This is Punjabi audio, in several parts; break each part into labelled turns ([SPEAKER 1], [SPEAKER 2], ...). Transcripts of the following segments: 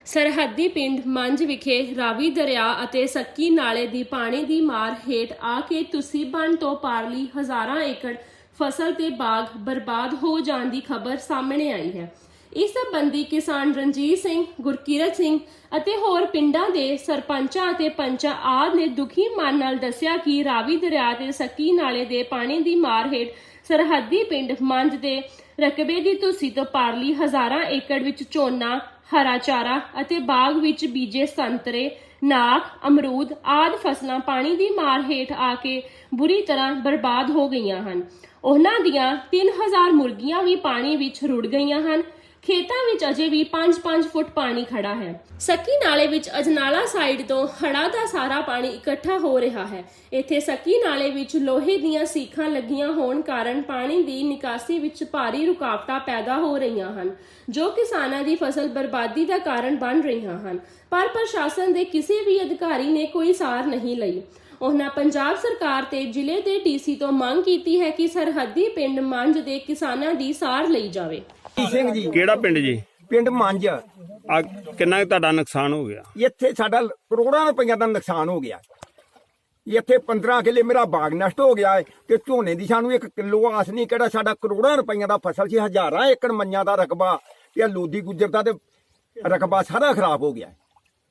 [SPEAKER 1] ਸਰਹੱਦੀ ਪਿੰਡ ਮੰਝ ਵਿਖੇ ਰਾਵੀ ਦਰਿਆ ਅਤੇ ਸੱਕੀ ਨਾਲੇ ਦੀ ਪਾਣੀ ਦੀ ਮਾਰ ਹੇਠ ਆ ਕੇ ਤੁਸੀਂ ਬੰਨ੍ਹ ਤੋਂ ਪਾਰਲੀ ਹਜ਼ਾਰਾਂ ਏਕੜ ਫਸਲ ਤੇ ਬਾਗ ਬਰਬਾਦ ਹੋ ਜਾਣ ਦੀ ਖਬਰ ਸਾਹਮਣੇ ਆਈ ਹੈ। ਇਸ ਸੰਬੰਧੀ ਕਿਸਾਨ ਰਣਜੀਤ ਸਿੰਘ, ਗੁਰਕੀਰਤ ਸਿੰਘ ਅਤੇ ਹੋਰ ਪਿੰਡਾਂ ਦੇ ਸਰਪੰਚਾਂ ਅਤੇ ਪੰਚਾਂ ਆਦਿ ਨੇ ਦੁਖੀ ਮਨ ਨਾਲ ਦੱਸਿਆ ਕਿ ਰਾਵੀ ਦਰਿਆ ਤੇ ਸੱਕੀ ਨਾਲੇ ਦੇ ਪਾਣੀ ਦੀ ਮਾਰ ਹੇਠ ਸਰਹੱਦੀ ਪਿੰਡ ਮੰਝ ਦੇ ਰਕਬੇ ਦੀ ਤੁਸੀਂ ਤੋਂ ਪਾਰਲੀ ਹਜ਼ਾਰਾਂ ਏਕੜ ਵਿੱਚ ਝੋਨਾ, ਹਰਾ ਚਾਰਾ ਅਤੇ ਬਾਗ ਵਿੱਚ ਬੀਜੇ ਸੰਤਰੇ, ਨਾਖ, ਅਮਰੂਦ ਆਦਿ ਫਸਲਾਂ ਪਾਣੀ ਦੀ ਮਾਰ ਹੇਠ ਆ ਕੇ ਬੁਰੀ ਤਰ੍ਹਾਂ ਬਰਬਾਦ ਹੋ ਗਈਆਂ ਹਨ। ਉਹਨਾਂ ਦੀਆਂ 3000 ਮੁਰਗੀਆਂ ਵੀ ਪਾਣੀ ਵਿੱਚ ਰੁੜ ਗਈਆਂ ਹਨ। ਖੇਤਾਂ ਵਿੱਚ ਅਜੇ ਵੀ 5-5 ਫੁੱਟ ਪਾਣੀ ਖੜਾ ਹੈ। ਸੱਕੀ ਨਾਲੇ ਵਿੱਚ ਅਜਨਾਲਾ ਸਾਈਡ ਤੋਂ ਹੜ੍ਹਾਂ ਦਾ ਸਾਰਾ ਪਾਣੀ ਇਕੱਠਾ ਹੋ ਰਿਹਾ ਹੈ। ਇੱਥੇ ਸੱਕੀ ਨਾਲੇ ਵਿੱਚ ਲੋਹੇ ਦੀਆਂ ਸੀਖਾਂ ਲੱਗੀਆਂ ਹੋਣ ਕਾਰਨ ਪਾਣੀ ਦੀ ਨਿਕਾਸੀ ਵਿੱਚ ਭਾਰੀ ਰੁਕਾਵਟਾਂ ਪੈਦਾ ਹੋ ਰਹੀਆਂ ਹਨ, ਜੋ ਕਿਸਾਨਾਂ ਦੀ ਫਸਲ ਬਰਬਾਦੀ ਦਾ ਕਾਰਨ ਬਣ ਰਹੀਆਂ ਹਨ। ਪਰ ਪ੍ਰਸ਼ਾਸਨ ਦੇ ਕਿਸੇ ਵੀ ਅਧਿਕਾਰੀ ਨੇ ਕੋਈ ਸਾਰ ਨਹੀਂ ਲਈ। ਉਹਨਾਂ ਪੰਜਾਬ ਸਰਕਾਰ ਤੇ ਜ਼ਿਲ੍ਹੇ ਦੇ ਡੀਸੀ ਤੋਂ ਮੰਗ ਕੀਤੀ ਹੈ ਕਿ ਸਰਹੱਦੀ ਪਿੰਡ ਮੰਝ ਦੇ ਕਿਸਾਨਾਂ ਦੀ ਸਾਰ ਲਈ ਜਾਵੇ।
[SPEAKER 2] ਸਿੰਘ ਜੀ,
[SPEAKER 3] ਕਿਹੜਾ ਪਿੰਡ ਜੀ?
[SPEAKER 2] ਪਿੰਡ ਮੰਝ।
[SPEAKER 3] ਆ ਕਿੰਨਾ ਕੁ ਤੁਹਾਡਾ ਨੁਕਸਾਨ ਹੋ ਗਿਆ?
[SPEAKER 2] ਇੱਥੇ ਸਾਡਾ ਕਰੋੜਾਂ ਰੁਪਈਆ ਦਾ ਨੁਕਸਾਨ ਹੋ ਗਿਆ। ਇੱਥੇ 15 ਕਿੱਲੇ ਮੇਰਾ ਬਾਗ ਨਸ਼ਟ ਹੋ ਗਿਆ ਹੈ ਤੇ ਝੋਨੇ ਦੀ ਸਾਨੂੰ 1 ਕਿਲੋ ਆਸ ਨਹੀਂ, ਕਿਹੜਾ ਸਾਡਾ ਕਰੋੜਾਂ ਰੁਪਈਆ ਦਾ ਫਸਲ ਸੀ, ਹਜ਼ਾਰਾਂ ਏਕੜ ਮੰਨਿਆਂ ਦਾ ਰਕਬਾ ਤੇ ਲੋਦੀ ਗੁੱਜਰ ਦਾ ਤੇ ਰਕਬਾ ਸਾਰਾ ਖਰਾਬ ਹੋ ਗਿਆ।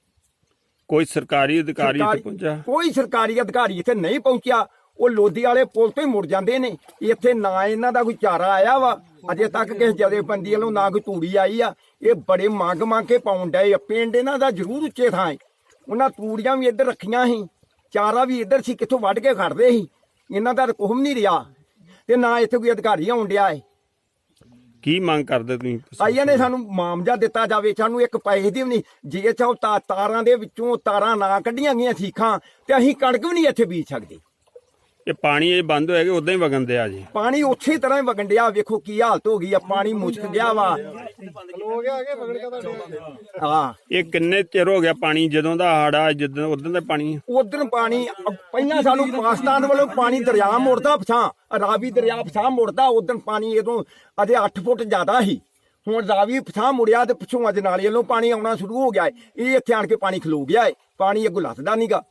[SPEAKER 3] ਕੋਈ ਸਰਕਾਰੀ ਅਧਿਕਾਰੀ ਇੱਥੇ ਪਹੁੰਚਿਆ?
[SPEAKER 2] ਕੋਈ ਸਰਕਾਰੀ ਅਧਿਕਾਰੀ ਇੱਥੇ ਨਹੀਂ ਪਹੁੰਚਿਆ। ਉਹ ਲੋਦੀ ਵਾਲੇ ਪੁਲ ਤੋਂ ਹੀ ਮੁੜ ਜਾਂਦੇ ਨੇ। ਇੱਥੇ ਨਾ ਇਹਨਾਂ ਦਾ ਕੋਈ ਚਾਰਾ ਆਇਆ ਵਾ ਅਜੇ ਤੱਕ, ਕਿਸੇ ਜਥੇਬੰਦੀ ਵੱਲੋਂ ਨਾ ਕੋਈ ਤੂੜੀ ਆਈ ਆ। ਇਹ ਬੜੇ ਮੰਗ ਕੇ ਪਾਉਣ ਡਏ ਆ। ਪਿੰਡ ਇਹਨਾਂ ਦਾ ਜ਼ਰੂਰ ਉੱਚੇ ਥਾਂ ਹੈ। ਉਹਨਾਂ ਤੂੜੀਆਂ ਵੀ ਇੱਧਰ ਰੱਖੀਆਂ ਸੀ, ਚਾਰਾ ਵੀ ਇੱਧਰ ਸੀ, ਕਿੱਥੋਂ ਵੱਢ ਕੇ ਖੜਦੇ ਸੀ। ਇਹਨਾਂ ਦਾ ਕੁਛ ਨਹੀਂ ਰਿਹਾ ਤੇ ਨਾ ਇੱਥੇ ਕੋਈ ਅਧਿਕਾਰੀ ਆਉਣ ਡਿਆ ਹੈ।
[SPEAKER 3] ਕੀ ਮੰਗ ਕਰਦੇ ਤੁਸੀਂ?
[SPEAKER 2] ਆਈਆਂ ਨੇ ਸਾਨੂੰ ਮਾਮਜਾ ਦਿੱਤਾ ਜਾਵੇ, ਸਾਨੂੰ 1 ਪੈਸੇ ਦੀ ਵੀ ਨਹੀਂ। ਜੇ ਚਾਹੋ ਤਾਰਾਂ ਦੇ ਵਿੱਚੋਂ ਤਾਰਾਂ ਨਾ ਕੱਢੀਆਂ ਗਈਆਂ ਸੀਖਾਂ ਤੇ ਅਸੀਂ ਕਣਕ ਵੀ ਨਹੀਂ ਇੱਥੇ ਬੀਜ ਸਕਦੇ।
[SPEAKER 3] ਇਹ ਪਾਣੀ ਇਹ ਬੰਦ ਹੋਇਆ ਕਿ ਉਦਾਂ ਹੀ ਵਗਣ ਦਿਆ ਜੀ?
[SPEAKER 2] ਪਾਣੀ ਉਸੇ ਤਰ੍ਹਾਂ ਹੀ ਵਗਣ ਡਿਆ। ਵੇਖੋ ਕੀ ਹਾਲਤ ਹੋ ਗਈ ਆ, ਪਾਣੀ ਮੁਸ਼ਕ ਗਿਆ ਵਾ। ਹਾਂ,
[SPEAKER 3] ਇਹ ਕਿੰਨੇ ਚਿਰ ਹੋ ਗਿਆ ਪਾਣੀ? ਜਦੋਂ ਦਾ ਹੜਾ ਜਦੋਂ ਉਦੋਂ ਦਾ ਪਾਣੀ?
[SPEAKER 2] ਉਧਰ ਪਾਣੀ ਪਹਿਲਾਂ ਸਾਨੂੰ ਪਾਕਿਸਤਾਨ ਵੱਲੋਂ ਪਾਣੀ ਦਰਿਆ ਮੁੜਦਾ ਪਛਾਂ, ਰਾਵੀ ਦਰਿਆ ਪਛਾਂ ਮੁੜਦਾ। ਉਧਰ ਪਾਣੀ ਇਦੋਂ ਅਜੇ 8 ਫੁੱਟ ਜ਼ਿਆਦਾ ਸੀ। ਹੁਣ ਰਾਵੀ ਪਛਾਂ ਮੁੜਿਆ ਤੇ ਪਿੱਛੋਂ ਅੱਜ ਨਾਲੇ ਵੱਲੋਂ ਪਾਣੀ ਆਉਣਾ ਸ਼ੁਰੂ ਹੋ ਗਿਆ ਹੈ। ਇਹ ਇੱਥੇ ਆਣ ਕੇ ਪਾਣੀ ਖਲੋ ਗਿਆ ਹੈ। ਪਾਣੀ ਅੱਗੋਂ ਲੱਥਦਾ ਨਹੀਂਗਾ।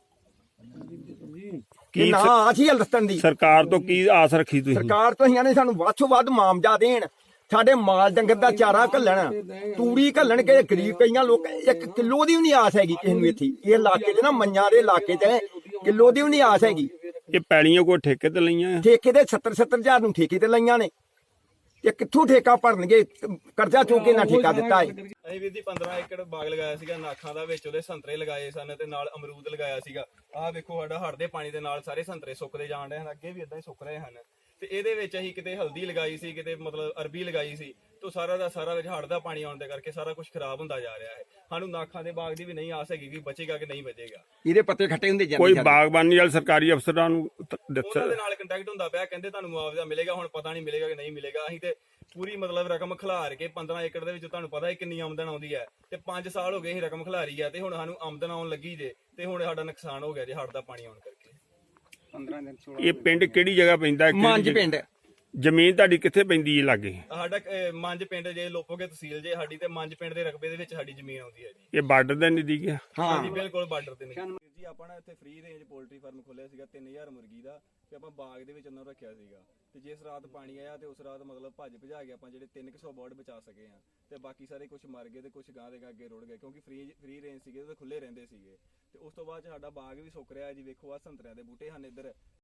[SPEAKER 3] ਕੀ
[SPEAKER 2] ਨਾ ਅਸੀਂ ਹਲਸਤਨ ਦੀ
[SPEAKER 3] ਸਰਕਾਰ ਤੋਂ ਕੀ ਆਸ ਰੱਖੀ ਤੁਸੀਂ?
[SPEAKER 2] ਸਰਕਾਰ ਤੋਂ ਇਹਨਾਂ ਨੇ ਸਾਨੂੰ ਵੱਧ ਤੋਂ ਵੱਧ ਮਾਮਜਾ ਦੇਣ, ਸਾਡੇ ਮਾਲ ਡੰਗਰ ਦਾ ਚਾਰਾ ਘੱਲਣ, ਤੂੜੀ ਘੱਲਣ। ਕਿ ਗਰੀਬ ਕਈਆਂ ਲੋਕ 1 ਕਿਲੋ ਦੀ ਵੀ ਨਹੀਂ ਆਸ ਹੈਗੀ ਕਿਸੇ ਨੂੰ। ਇੱਥੇ ਇਹ ਇਲਾਕੇ 'ਚ ਨਾ, ਮੰਨਿਆਂ ਦੇ ਇਲਾਕੇ 'ਚ ਕਿਲੋ ਦੀ ਵੀ ਨਹੀਂ ਆਸ ਹੈਗੀ।
[SPEAKER 3] ਇਹ ਪੈਲੀਆਂ ਕੋਈ ਠੇਕੇ ਤੇ ਲਈਆਂ?
[SPEAKER 2] ਠੇਕੇ ਦੇ 70-70 ਹਜ਼ਾਰ ਨੂੰ ਠੇਕੇ ਤੇ ਲਈਆਂ ਨੇ। ਇਹ ਕਿੱਥੋਂ ਠੇਕਾ ਭਰਨਗੇ? ਕਰਜ਼ਾ ਚੁੱਕ ਕੇ ਨਾ ਠੇਕਾ ਦਿੱਤਾ ਹੈ।
[SPEAKER 4] ਅਸੀਂ ਵੀਰ ਜੀ 15 ਏਕੜ ਬਾਗ ਲਗਾਇਆ ਸੀਗਾ ਨਾਖਾਂ ਦਾ, ਵਿੱਚ ਉਹਦੇ ਸੰਤਰੇ ਲਗਾਏ ਸਨ ਤੇ ਨਾਲ ਅਮਰੂਦ ਲਗਾਇਆ ਸੀਗਾ। ਆਹ ਵੇਖੋ ਸਾਡਾ ਹੜ੍ਹ ਦੇ ਪਾਣੀ ਦੇ ਨਾਲ ਸਾਰੇ ਸੰਤਰੇ ਸੁੱਕਦੇ ਜਾਣ ਰਹੇ ਹਨ, ਅੱਗੇ ਵੀ ਇਦਾਂ ਹੀ ਸੁੱਕ ਰਹੇ ਹਨ। ਤੇ ਇਹਦੇ ਵਿੱਚ ਅਸੀਂ ਕਿਤੇ ਹਲਦੀ ਲਗਾਈ ਸੀ, ਕਿਤੇ ਮਤਲਬ ਅਰਬੀ ਲਗਾਈ ਸੀ, ਤੋਂ ਸਾਰਾ ਦਾ ਸਾਰਾ ਵਿੱਚ ਹੜ੍ਹ ਦਾ ਪਾਣੀ ਆਉਣ ਦੇ ਕਰਕੇ ਸਾਰਾ ਕੁਝ ਖਰਾਬ ਹੁੰਦਾ ਜਾ ਰਿਹਾ ਹੈ। ਸਾਨੂੰ ਨਾਖਾਂ ਦੇ ਬਾਗ ਦੀ ਵੀ ਨਹੀਂ ਆਸ ਹੈਗੀ ਕਿ ਬਚੇਗਾ ਕਿ ਨਹੀਂ ਬਚੇਗਾ।
[SPEAKER 2] ਇਹਦੇ ਪੱਤੇ ਖੱਟੇ ਹੁੰਦੇ ਜਾਂਦੇ।
[SPEAKER 3] ਕੋਈ ਬਾਗਬਾਨੀ ਵਾਲੇ ਸਰਕਾਰੀ ਅਫਸਰਾਂ ਨੂੰ
[SPEAKER 4] ਉਹਨਾਂ ਦੇ ਨਾਲ ਕੰਟੈਕਟ ਹੁੰਦਾ ਪਿਆ, ਕਹਿੰਦੇ ਤੁਹਾਨੂੰ ਮੁਆਵਜ਼ਾ ਮਿਲੇਗਾ। ਹੁਣ ਪਤਾ ਨਹੀਂ ਮਿਲੇਗਾ ਕਿ ਨਹੀਂ ਮਿਲੇਗਾ। ਅਸੀਂ ਤੇ ਪੂਰੀ ਮਤਲਬ ਰਕਮ ਖਿਲਾਰ ਕੇ 15 ਏਕੜ ਦੇ ਵਿੱਚ ਤੁਹਾਨੂੰ ਪਤਾ ਹੈ ਕਿੰਨੀ ਆਮਦਨ ਆਉਂਦੀ ਹੈ, ਤੇ 5 ਸਾਲ ਹੋ ਗਏ ਅਸੀਂ ਰਕਮ ਖਿਲਾਰੀ ਹੈ ਤੇ ਹੁਣ ਸਾਨੂੰ ਆਮਦਨ ਆਉਣ ਲੱਗੀ ਜੇ, ਤੇ ਹੁਣ ਸਾਡਾ ਨੁਕਸਾਨ ਹੋ ਗਿਆ ਜੇ ਹੜ੍ਹ ਦਾ ਪਾਣੀ ਆਉਣ ਕਰਕੇ।
[SPEAKER 3] ਇਹ ਪਿੰਡ ਕਿਹੜੀ ਜਗ੍ਹਾ ਪੈਂਦਾ?
[SPEAKER 2] ਮੰਝ ਪਿੰਡ।
[SPEAKER 3] ਜ਼ਮੀਨ ਤੁਹਾਡੀ ਕਿੱਥੇ ਪੈਂਦੀ ਹੈ ਲਾਗੇ?
[SPEAKER 4] ਸਾਡਾ ਮੰਝ ਪਿੰਡ ਜੇ ਲੋਪੋਗੇ ਤਹਿਸੀਲ ਜੇ ਸਾਡੀ, ਤੇ ਮੰਝ ਪਿੰਡ ਦੇ ਰਕਬੇ ਦੇ ਵਿੱਚ ਸਾਡੀ ਜ਼ਮੀਨ ਆਉਂਦੀ ਹੈ ਜੀ।
[SPEAKER 3] ਇਹ ਬਾਰਡਰ ਦੇ ਨਜ਼ਦੀਕ ਹੈ?
[SPEAKER 4] ਹਾਂਜੀ ਬਿਲਕੁਲ ਬਾਰਡਰ ਤੇ ਨਹੀਂ ਜੀ। ਆਪਾਂ ਨਾ ਇੱਥੇ ਫ੍ਰੀ ਰੇਂਜ ਪੋਲਟਰੀ ਫਾਰਮ ਖੋਲਿਆ ਸੀਗਾ 3000 ਮੁਰਗੀ ਦਾ, ਤੇ ਆਪਾਂ ਬਾਗ ਦੇ ਵਿੱਚ ਉਹਨਾਂ ਨੂੰ ਰੱਖਿਆ ਸੀਗਾ। ਤੇ ਜਿਸ ਰਾਤ ਪਾਣੀ ਆਇਆ ਤੇ ਉਸ ਰਾਤ ਮਤਲਬ ਭੱਜ ਭਜਾ ਕੇ ਆਪਾਂ ਜਿਹੜੇ 300 ਬਰਡ ਬਚਾ ਸਕੇ ਆ, ਤੇ ਬਾਕੀ ਸਾਰੇ ਕੁਝ ਮਰ ਗਏ ਤੇ ਕੁਝ ਗਾਂ ਦੇ ਅੱਗੇ ਰੁੜ ਗਏ, ਕਿਉਂਕਿ ਫ੍ਰੀ ਰੇਂਜ ਸੀਗੇ ਤੇ ਖੁੱਲੇ ਰਹਿੰਦੇ ਸੀਗੇ। ਤੇ ਉਸ ਤੋਂ ਬਾਅਦ ਸਾਡਾ ਬਾਗ ਵੀ ਸੁੱਕ ਰਿਹਾ ਜੀ। ਵੇਖੋ ਆ ਸੰਤਰਿਆਂ ਦੇ ਬੂਟੇ ਹਨ ਇੱਧਰ,